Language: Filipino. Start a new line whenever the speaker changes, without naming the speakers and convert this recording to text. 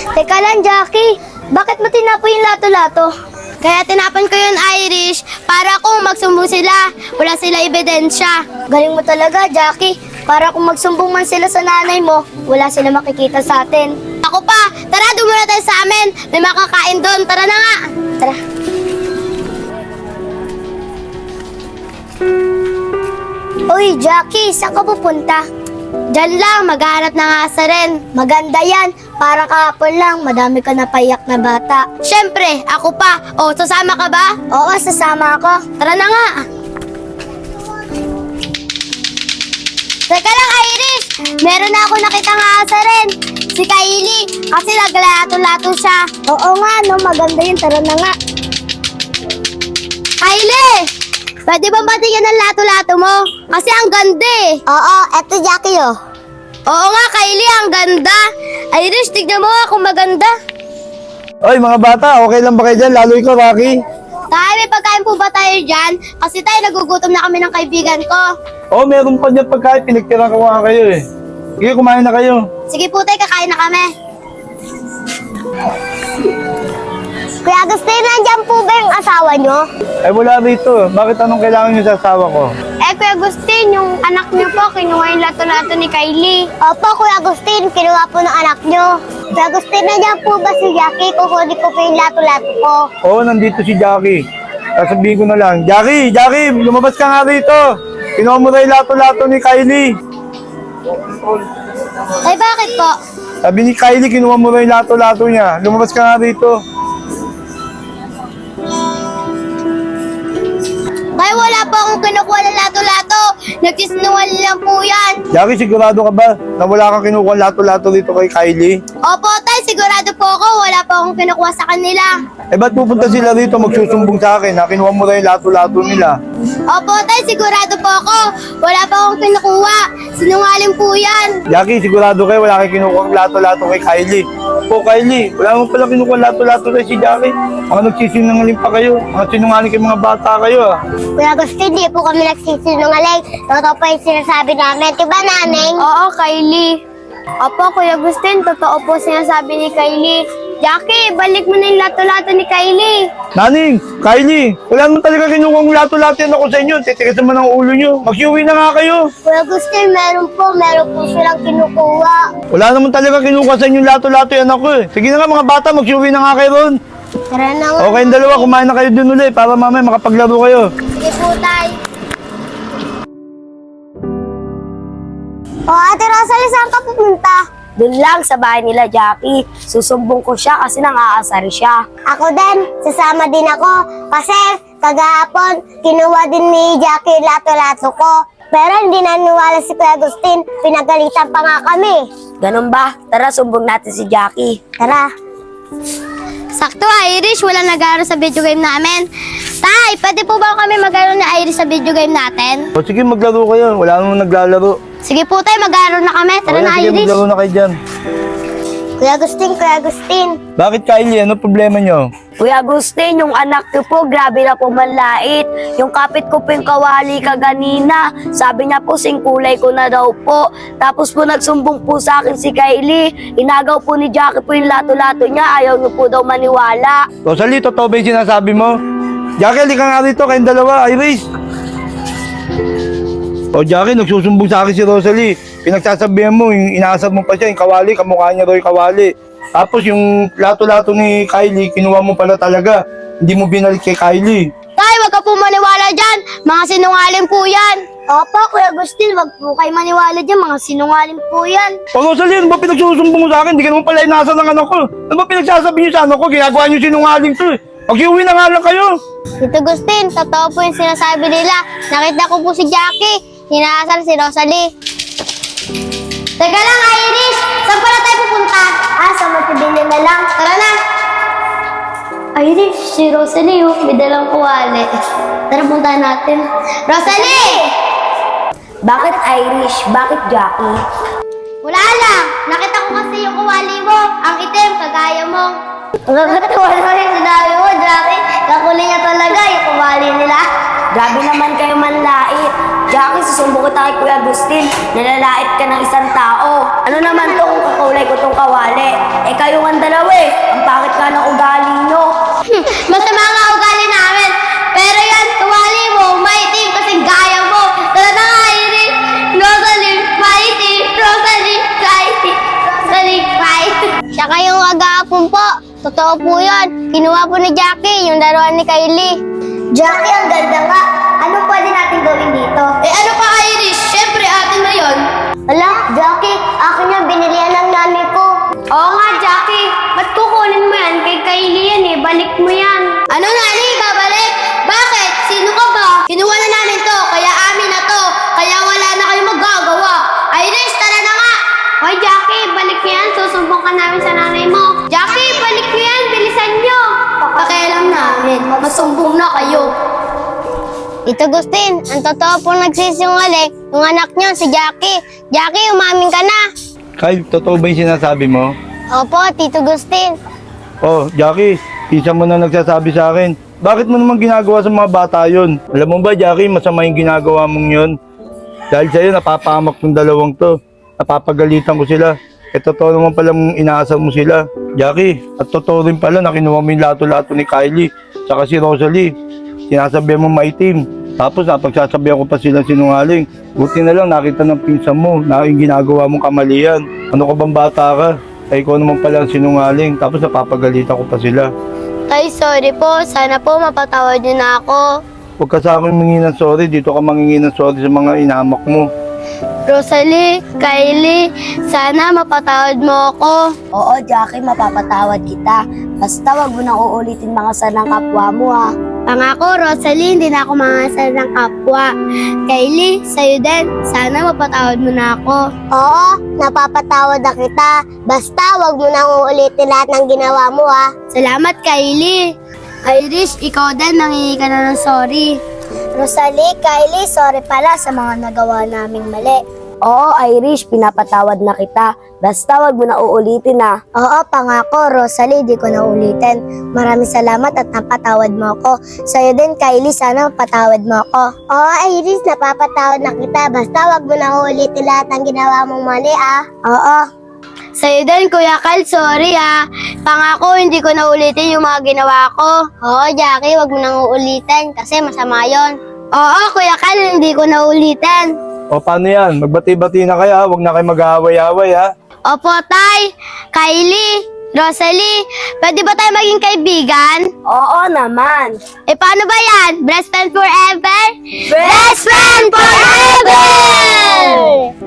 Teka lang, Jackie. Bakit mo tinapoy yung lato-lato? Kaya tinapan ko yun, Irish, para kung magsumbong sila, wala sila ebidensya. Galing mo talaga, Jackie. Para kung magsumbong man sila sa nanay mo, wala sila makikita sa atin. Ako pa! Tara, dumuna tayo sa amin! May makakain doon. Tara na nga! Tara. Uy, Jackie, saan ka pupunta? Diyan lang, maghahanap ng asa rin. Maganda yan. Parang kahapon lang, madami ka napaiyak na bata. Siyempre, ako pa. O, sasama ka ba? Oo, sasama ako. Tara na nga. Teka lang, Iris. Meron na ako nakitang asa rin. Si Kylie. Kasi naglato-lato siya. Oo nga, no. Maganda yun. Tara na nga. Kylie! Pwede bang batigyan ng lato-lato mo? Kasi ang ganda eh. Oo, eto Jackie oh. Oo nga, Kylie, ang ganda. Irish, tignan mo nga kung maganda.
Oy, mga bata, okay lang ba kayo dyan? Lalo ikaw, Rocky.
Tay, may pagkain po ba tayo dyan? Kasi tayo, nagugutom na kami ng kaibigan ko.
Oo, meron pa dyan pagkain. Pinagtira ko nga kayo eh. Sige, kumain na kayo.
Sige po tayo, kakain na kami. Kuya Agustin, nandiyan po ba yung asawa nyo?
Eh, wala rito. Bakit anong kailangan nyo sa asawa ko?
Kuya Agustin, yung anak niyo po, kinuha yung lato-lato ni Kylie. Opo, Kuya Agustin, kinuha po ng anak niyo. Kuya Agustin, nandiyan po ba si Jackie? Kukunin ko po yung lato-lato ko.
Oo, nandito si Jackie. Sasabihin ko na lang, Jackie, lumabas ka nga rito. Kinuha mo na yung lato-lato ni Kylie.
Ay, bakit po?
Sabi ni Kylie, kinuha mo na yung lato-lato niya. Lumabas ka nga rito.
Ay, wala po akong kinukuha ng lato-lato. Nagsisinungaling lang po yan.
Jackie, sigurado ka ba na wala kang kinukuha lato-lato dito kay Kylie?
Opo, tay, sigurado po ako. Wala po akong kinukuha sa kanila.
Eh, ba't pupunta sila rito magsusumbong sa akin na kinuha mo na yung lato-lato nila?
Opo, tay, sigurado po ako. Wala po akong kinukuha. Sinungaling po yan.
Jackie, sigurado kayo wala kang kinukuha lato-lato kay Kylie. Po, Kylie, wala mo pala kinukuha lato-lato kay si Jackie. Mga nagsisinungaling pa kayo. Mga sinungaling kayo mga bata kayo ah.
Kuya Agustin, di po kami nagsisinungaling. Totoo pa yung sinasabi namin. Diba, naneng? Oo, Kylie. Opo, Kuya Agustin, totoo po sinasabi ni Kylie. Jackie, balik mo na yung lato-lato ni Kylie.
Naning, Kylie, wala naman talaga kinukuha lato-lato yan ako sa inyo. Titigas naman ang ulo nyo. Mag-iuwi na nga kayo.
Kuya Agustin, meron po silang kinukuha.
Wala naman talaga kinukuha sa inyo lato-lato yan ako eh. Sige na nga mga bata, mag-iuwi na nga kayo ron.
Tara na nga.
Okay, yung dalawa, kumain na kayo dun ulit para mamaya makapaglaro kayo.
Sige po, tay. O, Ate Rosalie, saan ka pupunta?
Doon lang sa bahay nila, Jackie. Susumbong ko siya kasi nang-aasar siya.
Ako din, sasama din ako. Kasi kagahapon, kinuha din ni Jackie yung lato-lato ko. Pero hindi naniwala si Kuya Agustin. Pinagalitan pa nga kami.
Ganun ba? Tara, sumbong natin si Jackie.
Tara. Sakto, Irish. Walang nag-aaral sa video game namin. Tay, pwede po ba kami mag-aaral ni Irish sa video game natin?
O sige, maglaro kayo. Wala naman naglalaro.
Sige po, tay. Mag-aaral na kami. Tara
Okay,
na,
sige,
Irish.
maglaro na kayo dyan.
Kuya Agustin.
Bakit, Kylie? Ano problema nyo?
Kuya Agustin, yung anak ko po, grabe na po manlait. Yung kapit ko po yung kawali kaganina. Sabi niya po, singkulay ko na daw po. Tapos po nagsumbong po sa akin si Kylie. Inagaw po ni Jackie po yung lato-lato niya. Ayaw niyo po daw maniwala.
Rosalie, totoo ba yung sinasabi mo? Jackie, halika nga rito kayong dalawa. Iris! O Jackie, nagsusumbong sa akin si Rosalie. Pinagsasabihan mo, yung inaasab mo pa siya, yung kawali, kamukha niya daw yung kawali. Tapos yung lato-lato ni Kylie, kinuha mo pala talaga. Hindi mo binalik kay Kylie.
Tay, wag ka po maniwala dyan. Mga sinungaling po yan. Opo, Kuya Agustin, wag po kayo maniwala dyan. Mga sinungaling po yan.
O Rosalie, ano ba pinagsusumbong mo sa akin? Hindi ka naman pala inasa ng anak ko. Ano ba pinagsasabi niyo sa anak ko? Ginagawa niyo sinungaling to eh. Mag-iuwi na nga lang kayo.
Tito Agustin, totoo po yung sinasabi nila. Nakita ko po si Jackie. Hinaasal si Rosalie. Teka lang, Irish! Saan pala tayo pupunta? Sa Matibili na lang. Tara na! Irish, si Rosalie, may dalang kuwali. Tara, punta natin. Rosalie!
Bakit Irish? Bakit Jackie?
Wala lang! Nakita ko kasi yung kuwali mo. Ang itim, kagaya mo. Nakakatawa naman yung sinabi mo, Jackie. Kakuli niya talaga yung kuwali nila.
Grabe naman kayo manlait. Jackie, susumbong kita kay Kuya Agustin. Nalalait ka ng isang tao. Ano naman to kung kakulay ko tong kawali? Eh kayo ang dalawa eh. Ang pakit ka ng ugali nyo.
Masama nga ugali namin. Pero yan, tuwali mo, maitim kasi gaya mo. Tara na nga, Iris. Rosalie, maitim. Rosalie, maitim. Rosalie, maitim. Siya kayong agapon po. Totoo po yun. Kinuha po ni Jackie yung laruan ni Kylie. Jackie, ang ganda nga. Ano pwede natin gawin dito? Eh ano pa, Iris? Siyempre, atin na yun. Ala, Jackie, akin yan. Binilihan ng nanay ko. Oo nga, Jackie. Ba't kukunin mo yan? Kay Kylie yan eh. Balik mo yan. Ano, Nani? Babalik? Bakit? Sino ka ba? Kinuha na namin to. Kaya amin na to. Kaya wala na kayong magagawa. Iris, tara na nga. Hoy, Jackie, balik mo yan. Susumbong ka namin sa nanay mo. Jackie, balik mo yan. Bilisan nyo. Pakialam namin. Masumbong na kayo. Tito Gustin, ang totoo pong nagsisinungaling yung anak niyo, si Jackie. Jackie, umamin ka na.
Kyle, totoo ba yung sinasabi mo?
Opo, Tito Gustin.
Oh, Jackie, isa mo na nagsasabi sa akin. Bakit mo naman ginagawa sa mga bata yon? Alam mo ba, Jackie, masama yung ginagawa mong yon? Dahil sa'yo, napapahamak ng dalawang to. Napapagalitan ko sila. Eh, totoo naman palang inaasar mo sila. Jackie, at totoo rin pala na kinuha mo yung lato-lato ni Kylie, saka si Rosalie. Sinasabihan mo maitim. Tapos napagsasabihan ko pa silang sinungaling. Buti na lang nakita ng pinsan mo na yung ginagawa mong kamalian. Ano ka bang bata ka? Ay ikaw naman pala ang sinungaling. Tapos napapagalitan ko pa sila.
Tay, sorry po. Sana po mapatawad niyo na ako.
Huwag ka sa akin mangingi ng sorry. Dito ka mangingi ng sorry sa mga inamak mo.
Rosalie, Kylie, sana mapatawad mo ako.
Oo, Jackie, mapapatawad kita. Basta wag mo nang uulitin mga sanang kapwa mo ha.
Pangako, Rosalie, hindi na ako mangasal ng kapwa. Kylie, sa'yo din. Sana mapatawad mo na ako. Oo, napapatawad na kita. Basta wag mo nang uulitin lahat ng ginawa mo ha. Salamat, Kylie. Iris, ikaw din, nangingi ka na ng sorry. Rosalie, Kylie, sorry pala sa mga nagawa naming mali.
Oo, Irish, pinapatawad na kita. Basta wag mo na uulitin ha.
Oo, pangako, Rosalie, di ko na ulitin. Maraming salamat at napatawad mo ako. Sa'yo din, Kylie, sana mapatawad mo ako. Oo, Iris, napapatawad na kita. Basta wag mo na ulitin lahat ng ginawa mong mali, ah. Oo. Sa'yo din, Kuya Kyle, sorry ah. Pangako, hindi ko na ulitin yung mga ginawa ko. Oo, Jackie, wag mo nang uulitin kasi masama yon. Oo, Kuya Kyle, hindi ko na ulitin.
O paano yan? Magbati-bati na kayo ha. Huwag na kayo mag-aaway-aaway ha.
Opo, Tay. Kylie, Rosalie, pwede ba tayo maging kaibigan?
Oo naman.
Eh, paano ba yan? Best friend forever? Best friend forever!